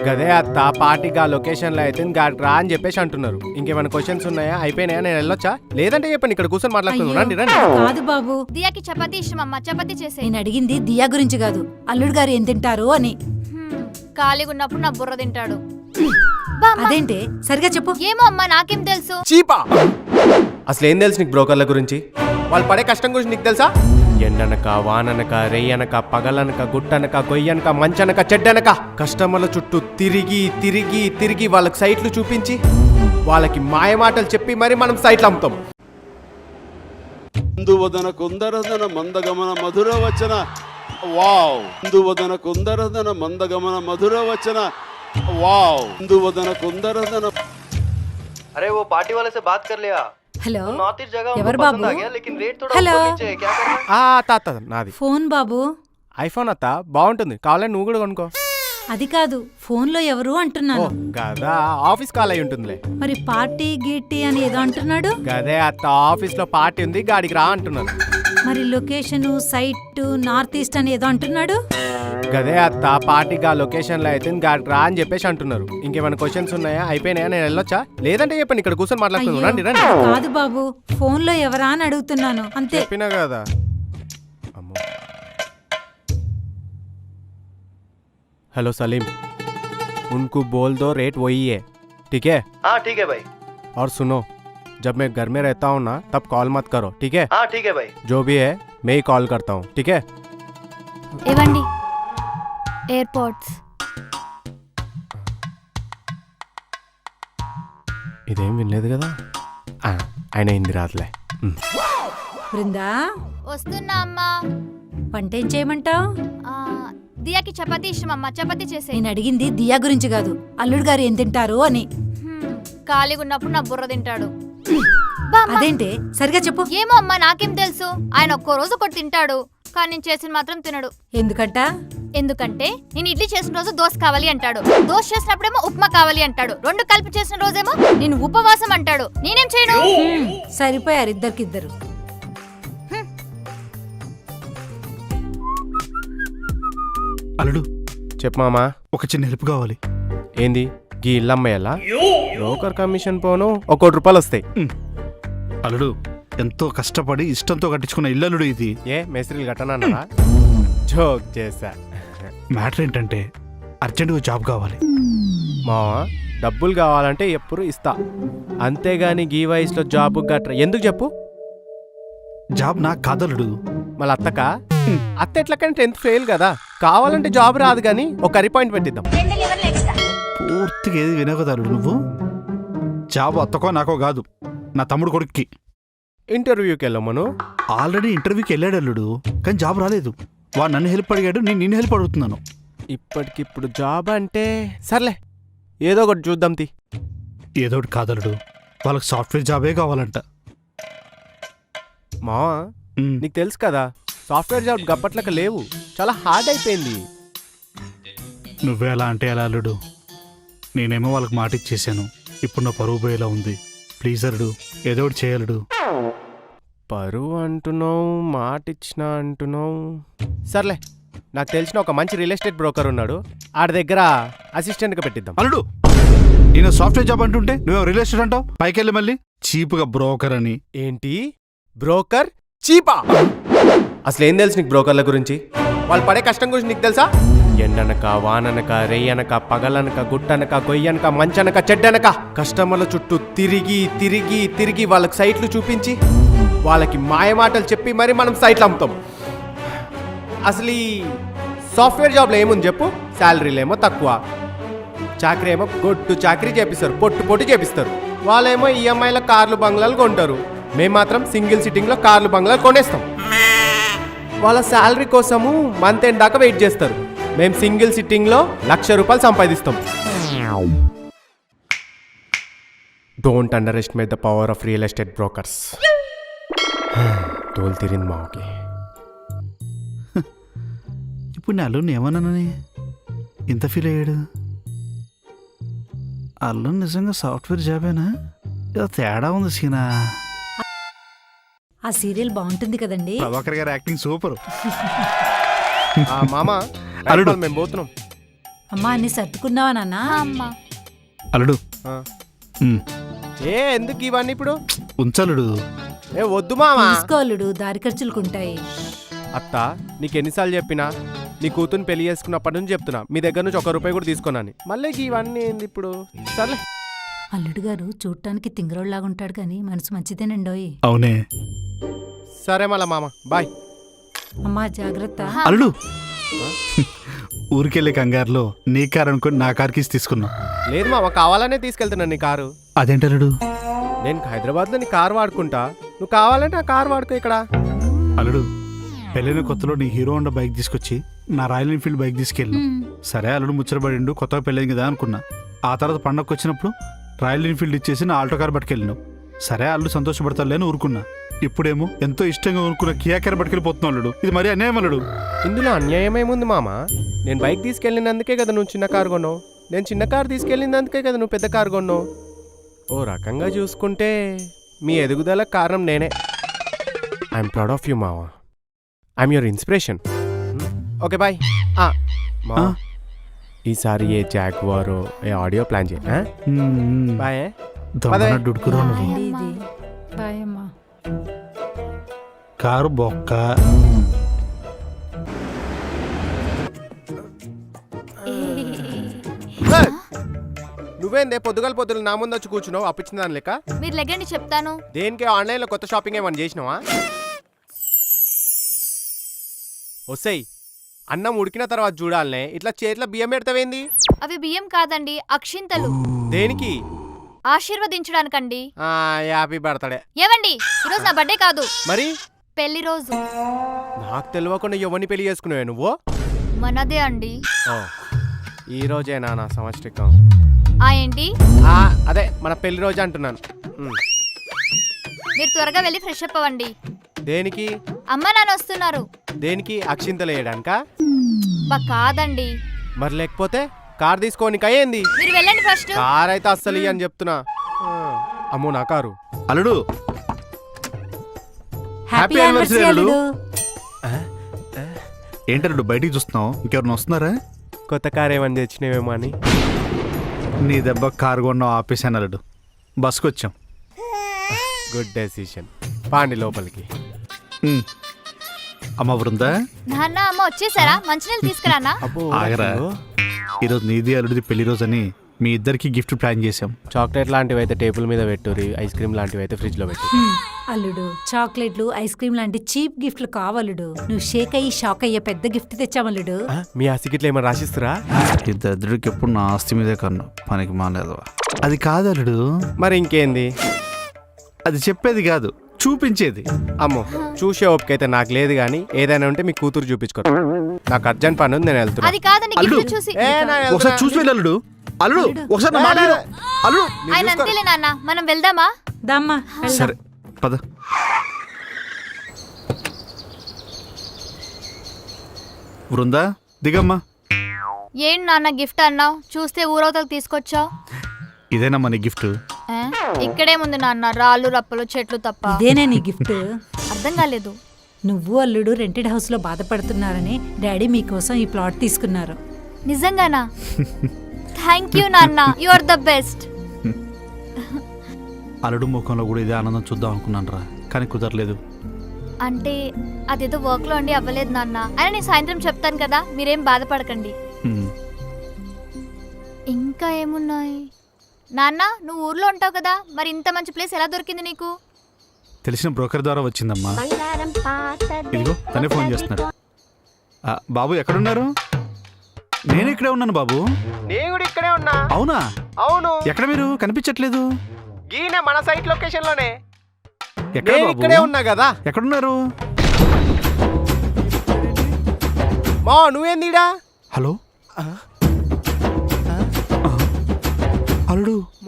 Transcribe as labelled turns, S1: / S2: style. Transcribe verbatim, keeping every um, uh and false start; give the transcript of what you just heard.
S1: గదే అత్త పార్టీగా లొకేషన్లో అయితే గాడికి రా అని చెప్పేసి అంటున్నారు. ఇంకేమైనా క్వశ్చన్స్ ఉన్నాయా? అయిపోయినాయా? నేను వెళ్ళొచ్చా? లేదంటే చెప్పండి, ఇక్కడ కూర్చొని మాట్లాడుతున్నాను. రండి రండి.
S2: కాదు బాబు,
S3: దియాకి చపాతీ ఇష్టం అమ్మా, చపాతీ చేసే.
S2: నేను అడిగింది దియా గురించి కాదు, అల్లుడు గారు ఏం తింటారు అని.
S3: ఖాళీగా ఉన్నప్పుడు నా బుర్ర తింటాడు.
S2: అదేంటే సరిగా చెప్పు.
S3: ఏమో అమ్మా, నాకేం తెలుసు.
S1: చీపా, అసలు ఏం తెలుసు నీకు బ్రోకర్ల గురించి? వాళ్ళు పడే కష్టం గురించి నీకు తెలుసా? ఎండనక వాననక రేయనక పగలనక గుట్టనక గొయ్యనక మంచనక చెడ్డనక కస్టమర్ల చుట్టూ తిరిగి తిరిగి తిరిగి వాళ్ళకి సైట్లు చూపించి వాళ్ళకి మాయమాటలు చెప్పి మరి మనం సైట్లు అమ్ముతాం.
S4: ఇందువదన కుందరదన మందగమన మధుర వచన వావ్ ఇందువదన కుందరదన మందగమన మధుర వచన वाव इंदुवदन कुंदरदन।
S5: अरे वो पार्टी वाले से बात कर लिया?
S2: हेलो,
S5: नॉर्थ ईस्ट जगह
S2: ఎవరు
S5: उनको
S2: బాబు?
S5: पसंद आ गया लेकिन रेट थोड़ा
S2: हेलो
S5: ऊपर नीचे है, क्या करना?
S1: ఆ అత్త అత్త నాది
S2: ఫోన్ బాబు.
S1: ఐఫోన్ అత్త, బాగుంటుంది, కావాలని నువ్వు కూడా కొనుక్కో.
S2: అది కాదు, ఫోన్ లో ఎవరు
S1: ఓ
S2: అంటున్నాను.
S1: గదా, ఆఫీస్ కాల్ అయి ఉంటుందిలే.
S2: మరి పార్టీ గీటీ అని ఏదో అంటున్నాడు.
S1: గదే అత్త, ఆఫీస్ లో పార్టీ ఉంది, గాడికి రా అంటున్నాను.
S2: మరి లొకేషన్ సైట్ నార్త్ ఈస్ట్ అని ఏదో అంటున్నాడు.
S1: గదే అత్త పార్టీగా లొకేషన్లో అయితే గాడికి రా అని చెప్పేసి అంటున్నారు. ఇంకేమైనా క్వశ్చన్స్ ఉన్నాయా? అయిపోయినాయా? నేను వెళ్ళొచ్చా? లేదంటే చెప్పండి, ఇక్కడ కూర్చొని మాట్లాడుతున్నాను. రండి రండి.
S2: కాదు బాబు, ఫోన్ లో ఎవరా అని అడుగుతున్నాను అంతే.
S1: చెప్పినా కదా. అమ్మో. हेलो सलीम, उनको बोल दो रेट वही है, ठीक है?
S5: हाँ ठीक है भाई।
S1: और सुनो, जब मैं घर में रहता हूँ ना तब कॉल मत करो, ठीक है?
S5: हाँ ठीक है भाई।
S1: जो भी है मैं ही कॉल करता हूँ, ठीक है?
S3: ఇవ్వండి ఎయిర్పోర్ట్స్.
S1: ఇదేం వినలేదు కదా. ఆ, ఆయన హిందీ రాదులే.
S2: బృందా,
S3: వస్తున్నా అమ్మా.
S2: వంట ఏం చేయమంటావు?
S3: ఆ, దియాకి చపాతీ ఇష్టం అమ్మా, చపాతీ చేసే.
S2: నేను అడిగింది దియా గురించి కాదు, అల్లుడు గారు ఏం తింటారు అని.
S3: ఖాళీగా ఉన్నప్పుడు నా బుర్ర తింటాడు.
S2: అదేంటే సరిగా చెప్పు.
S3: ఏమో అమ్మా, నాకేం తెలుసు. ఆయన ఒక్కో రోజు ఒకటి తింటాడు, కానీ నేను చేసిన మాత్రం తినడు.
S2: ఎందుకంట?
S3: ఎందుకంటే నేను ఇడ్లీ చేసిన రోజు దోశ కావాలి అంటాడు, దోశ చేసినప్పుడేమో ఉప్మా కావాలి అంటాడు, రెండు కలిపి చేసిన రోజేమో నేను ఉపవాసం అంటాడు. నేనేం చేయను?
S2: సరిపోయారు ఇద్దరికిద్దరు.
S6: అల్లుడు,
S1: చెప్పు మామా.
S6: ఒక చిన్న హెల్ప్ కావాలి.
S1: ఏంది? గీ ఇల్లమ్మయ్యలా బ్రోకర్ కమిషన్ పోను ఒక కోటి రూపాయలు వస్తాయి.
S6: అల్లుడు, ఎంతో కష్టపడి ఇష్టంతో కట్టించుకున్న ఇల్లు అల్లుడు ఇది.
S1: ఏ మేస్త్రీలు కట్టనన్నారా? జోక్ చేశా.
S6: మ్యాటర్ ఏంటంటే అర్జెంటుగా జాబ్ కావాలి.
S1: మావా, డబ్బులు కావాలంటే ఎప్పుడు ఇస్తా, అంతేగాని గీ వయసులో జాబ్ గట్రా ఎందుకు చెప్పు?
S6: జాబ్ నాకు కాదల్లుడు.
S1: మళ్ళీ అత్తక అత్త ఎట్లకంటే టెన్త్ ఫెయిల్ కదా, కావాలంటే జాబ్ రాదు కానీ ఒక అపాయింట్ పెట్టిద్దాం.
S6: పూర్తిగా ఏది వినవు కదా అల్లుడు నువ్వు. జాబ్ అత్తకో నాకో కాదు, నా తమ్ముడు కొడుక్కి.
S1: ఇంటర్వ్యూకి వెళ్ళమను.
S6: ఆల్రెడీ ఇంటర్వ్యూకి వెళ్ళాడు అల్లుడు, కానీ జాబ్ రాలేదు. వాడు నన్ను హెల్ప్ అడిగాడు, నేను నిన్ను హెల్ప్ అడుగుతున్నాను.
S1: ఇప్పటికిప్పుడు జాబ్ అంటే సర్లే, ఏదో ఒకటి చూద్దాం తి.
S6: ఏదో ఒకటి కాదలుడు, వాళ్ళకి సాఫ్ట్వేర్ జాబే కావాలంట.
S1: మావా, నీకు తెలుసు కదా సాఫ్ట్వేర్ జాబ్ గప్పట్లక లేవు, చాలా హార్డ్ అయిపోయింది.
S6: నువ్వే అలా అంటే ఎలా అల్లుడు? నేనేమో వాళ్ళకి మాట ఇచ్చేసాను, ఇప్పుడు నా పరువు పోయేలా ఉంది. ప్లీజ్ అల్లుడు, ఏదో ఒకటి చేయలుడు.
S1: పరువు అంటున్నావు, మాట ఇచ్చిన అంటున్నావు. సర్లే, నాకు తెలిసిన ఒక మంచి రియల్ ఎస్టేట్ బ్రోకర్ ఉన్నాడు, ఆడి దగ్గర అసిస్టెంట్గా పెట్టిద్దాం.
S6: అల్లుడు, నేను సాఫ్ట్వేర్ జాబ్ అంటుంటే నువ్వు రియల్ ఎస్టేట్ అంటావు. పైకి వెళ్ళి మళ్ళీ చీప్గా బ్రోకర్ అని.
S1: ఏంటి బ్రోకర్? చీపా? అసలు ఏం తెలుసు నీకు బ్రోకర్ల గురించి? వాళ్ళు పడే కష్టం గురించి నీకు తెలుసా? ఎండనక వాననక రేయనక పగలనక గుట్టనక గొయ్యనక మంచనక చెడ్డనక కస్టమర్ల చుట్టూ తిరిగి తిరిగి తిరిగి వాళ్ళకి సైట్లు చూపించి వాళ్ళకి మాయమాటలు చెప్పి మరి మనం సైట్లు అమ్ముతాం. అసలు ఈ సాఫ్ట్వేర్ జాబ్లో ఏముంది చెప్పు? శాలరీలు ఏమో తక్కువ, చాకరీ ఏమో గొడ్డు చాకరీ చేపిస్తారు, పొట్టు పొట్టు చేపిస్తారు. వాళ్ళేమో ఈఎంఐలో కార్లు బంగ్లాలు కొంటారు, మేము మాత్రం సింగిల్ సిట్టింగ్లో కార్లు బంగ్లాలు కొనేస్తాం. వాళ్ళ శాలరీ కోసము మంత్ ఎండ్ దాకా వెయిట్ చేస్తారు, మేము సింగిల్ సిట్టింగ్లో లక్ష రూపాయలు సంపాదిస్తాం. Don't underestimate the power of real estate brokers. తోలు తిరింది మాకి.
S6: ఇప్పుడు నేను అల్లుని ఏమన్నానని ఇంత ఫీల్ అయ్యాడు? అల్లు నిజంగా సాఫ్ట్వేర్ జాబేనా? ఏదో తేడా ఉంది సీనా.
S2: ఆ సీరియల్ బాగుంటుంది కదండి.
S6: ప్రభాకర్ గారి యాక్టింగ్ సూపర్.
S1: మామ,
S6: అల్లుడు,
S1: మేము పోతున్నాం.
S2: అమ్మా అన్ని సర్దుకున్నావా నాన్న
S3: ఆ, అమ్మా
S6: అల్లుడు
S1: ఆ.
S6: ఉమ్,
S1: ఏ ఎందుకు ఇవన్నీ ఇప్పుడు
S6: ఉంచలుడు.
S1: ఏ వద్దు మామా.
S2: తీసుకోలుడు దారి ఖర్చులుకుంటాయి.
S1: అత్త నీకు ఎన్నిసార్లు చెప్పినా నీ కూతుర్ని పెళ్లి చేసుకున్నప్పటి నుంచి చెప్తున్నా మీ దగ్గర నుంచి ఒక రూపాయి కూడా తీసుకున్నాను. మళ్ళీ ఇవన్నీ ఏంది ఇప్పుడు? సర్లే.
S2: అల్లుడు గారు చూడటానికి తింగరోళ్ళలాగా ఉంటాడు కానీ మనసు మంచిదేనండోయ్.
S6: అవునే
S1: సరే మళ్ళా మామ బాయ్.
S2: అమ్మా జాగ్రత్త.
S6: అల్లుడు. ఊరికెళ్ళే కంగారులో నీ కారు అనుకుని నా కార్ కీస్ తీసుకున్నా.
S1: లేదు మామ, కావాలనే తీసుకెళ్తున్నాను నీ కారు.
S6: అదేంటల్లుడు?
S1: నేను హైదరాబాద్లో నీ కారు వాడుకుంటా, నువ్వు కావాలంటే ఆ కారు వాడుకో ఇక్కడ.
S6: అల్లుడు పెళ్ళైన కొత్తలో నీ హీరో హోండా బైక్ తీసుకొచ్చి నా రాయల్ ఎన్ఫీల్డ్ బైక్ తీసుకెళ్ళిన. సరే అల్లుడు ముచ్చటపడిండు, కొత్తగా పెళ్ళైంది కదా అనుకున్నా. ఆ తర్వాత పండగకు వచ్చినప్పుడు రాయల్ ఎన్ఫీల్డ్ ఇచ్చేసి నా ఆల్టో కార్ పట్టుకెళ్ళినావు. సరే అల్లుడు సంతోషపడతాడులే అని ఊరుకున్నా. ఇప్పుడేమో ఎంతో ఇష్టంగా ఊరుకున్న కియా కార్ పట్టుకెళ్ళిపోతున్నావు అల్లుడు. ఇది మరీ అన్యాయం అల్లుడు.
S1: ఇందులో అన్యాయం ఏముంది మామ? నేను బైక్ తీసుకెళ్ళినందుకే కదా నువ్వు చిన్న కారు కొన్నావు, నేను చిన్న కారు తీసుకెళ్ళినందుకే కదా నువ్వు పెద్ద కారు కొన్నావు. ఓ రకంగా చూసుకుంటే మీ ఎదుగుదల కారణం నేనే. ఐఎమ్ ప్రౌడ్ ఆఫ్ యూ మావా. I'm your inspiration. Okay bye. మా ఈసారి ఏ జాగ్వారో ఏ ఆడియో ప్లాన్ చేయ. బాయ్.
S6: డుడుకురా నువ్వు.
S2: ఏంటి ఇది? బాయ్ అమ్మా.
S6: కారు బొక్క.
S1: నువ్వేందే పొద్దుగాల పొద్దులు నా ముందు వచ్చి కూర్చున్నావు అప్పించిన దాని లెక్క?
S3: మీరు లెగ్గండి చెప్తాను.
S1: దేనికి ఆన్లైన్లో కొత్త షాపింగ్ ఏమన్నా చేసినావా? వస్తాయి అన్నం ఉడికిన తర్వాత చూడాలనే ఇట్లా చేతిలో బియ్యం పెడతావేంది?
S3: అవి బియ్యం కాదండి, అక్షింతలు.
S1: దేనికి?
S3: ఆశీర్వదించడానికండి.
S1: ఆ హ్యాపీ బర్త్డే.
S3: ఏవండి ఈరోజు నా బర్త్డే కాదు,
S1: మరి
S3: పెళ్లి రోజు.
S1: నాకు తెలియకుండా ఎవరిని పెళ్లి చేసుకున్నావే నువ్వు?
S3: మనదే అండి.
S1: ఓ ఈ రోజేనా నా సంవత్సరికం?
S3: ఆ ఏంటి?
S1: ఆ, అదే మన పెళ్లి రోజు అంటున్నాను. ఉమ్.
S3: మీరు త్వరగా వెళ్ళి ఫ్రెష్ అప్ అవ్వండి.
S1: దేనికి?
S3: అమ్మ నాన్న వస్తున్నారు.
S1: దేనికి? అక్షింతలు వేయడానికా?
S3: బా కాదండి.
S1: మరి లేకపోతే కార్ తీసుకోనికి అయ్యింది.
S3: మీరు వెళ్ళండి ఫస్ట్.
S1: కార్ అయితే అస్సలు ఇయ్య అని చెప్తున్నా. ఆ, అమ్మో నా కారు.
S6: అల్లుడు
S2: హ్యాపీ యానివర్సరీ అల్లుడు.
S6: ఏంటల్లుడు బయటికి చూస్తున్నావు? ఇంకెవరిని వస్తున్నారా?
S1: కొత్త కార్ ఏమని తెచ్చినవేమో అని.
S6: నీ దెబ్బ కారు కొన్నావు ఆపేసాను అల్లుడు. బస్కి వచ్చాం.
S1: Good decision. పాండి లోపలికి.
S6: ఉమ్. అమ్మ బృందా,
S3: నాన్న అమ్మ వచ్చేసారా? మంచినీళ్ళు తీసుకురానా?
S1: అబ్బో
S6: ఆగరా. ఈరోజు నీది అల్లుడిది పెళ్లి రోజు అని మీ ఇద్దరికి గిఫ్ట్ ప్లాన్ చేసాం.
S1: చాక్లెట్ లాంటివి అయితే టేబుల్ మీద పెట్టుర్రి, ఐస్ క్రీమ్ లాంటివి అయితే ఫ్రిడ్జ్ లో పెట్టు.
S2: హ్మ్. అల్లుడు చాక్లెట్లు ఐస్ క్రీమ్ లాంటి చీప్ గిఫ్ట్లు కావలుడు. నువ్వు షేక్ అయ్యి షాక్ అయ్యే పెద్ద గిఫ్ట్ తెచ్చామల్లుడు.
S1: ఆ, మీ ఆస్తికిట్లు ఏమైనా రాసిస్తురా?
S6: ఈ దరిద్రుడికి ఎప్పుడు నా ఆస్తి మీదే కన్నా పనికి మానేదవా. అది కాదు అల్లుడు.
S1: మరి ఇంకేంది?
S6: అది చెప్పేది కాదు, చూపించేది.
S1: అమ్మో చూసే ఓపిక అయితే నాకు లేదు కానీ ఏదైనా ఉంటే మీ కూతురు చూపించుకో. నాకు అర్జెంట్ పని ఉంది, నేను వెళ్తున్నా.
S3: అది కాదండి,
S6: అల్లుడు.
S3: గిఫ్ట్ చూసి.
S1: ఏ, నా వెళ్తున్నా.
S6: ఒకసారి చూసి వెళ్ళి అల్లుడు. అల్లుడు ఒకసారి నా మాట విను. అల్లుడు
S3: ఆయన అంతేలే నాన్న, మనం వెళ్దామా?
S2: దమ్మా
S6: సరే పద. బృందా దిగమ్మా.
S3: ఏం నాన్న గిఫ్ట్ అన్నావు? చూస్తే ఊరవతలకు తీసుకొచ్చావు.
S6: ఇదేనమ్మా నీ గిఫ్ట్.
S3: ఏ? ఇక్కడేముంది నాన్న, రాళ్ళు రప్పలు చెట్లు తప్ప.
S2: ఇదేనే నీ గిఫ్ట్?
S3: అర్థం కాలేదు.
S2: నువ్వు అల్లుడు రెంటెడ్ హౌస్ లో బాధపడుతున్నారని డాడీ మీకోసం ఈ ప్లాట్ తీసుకున్నారు.
S3: నిజంగానా? థ్యాంక్ యూ నాన్న, యు ఆర్ ద బెస్ట్.
S6: అల్లుడు ముఖంలో కూడా ఇదే ఆనందం చూద్దాం అనుకున్నాను రా, కానీ కుదరలేదు.
S3: అంటే అదేదో వర్క్ లో అండి అవ్వలేదు నాన్న. అయినా నేను సాయంత్రం చెప్తాను కదా, మీరేం బాధపడకండి.
S6: ఉమ్.
S3: ఇంకా ఏమున్నాయి నాన్న? నువ్వు ఊర్లో ఉంటావు కదా, మరి ఇంత మంచి ప్లేస్ ఎలా దొరికింది నీకు?
S6: తెలిసిన బ్రోకర్ ద్వారా వచ్చిందమ్మా. ఇదిగో తనే ఫోన్ చేస్తున్నాడు. ఆ, బాబు ఎక్కడున్నారు? నేను ఇక్కడే ఉన్నాను బాబు.
S1: నేను కూడా ఇక్కడే ఉన్నా.
S6: అవునా?
S1: అవును.
S6: ఎక్కడ మీరు కనిపించట్లేదు?
S1: గీనే మన సైట్ లొకేషన్ లోనే.
S6: ఎక్కడ
S1: నేను
S6: బాబు?
S1: ఇక్కడే ఉన్నా కదా.
S6: ఎక్కడున్నారు?
S1: మా నువ్వేందిడా?
S6: హలో అల్లుడు.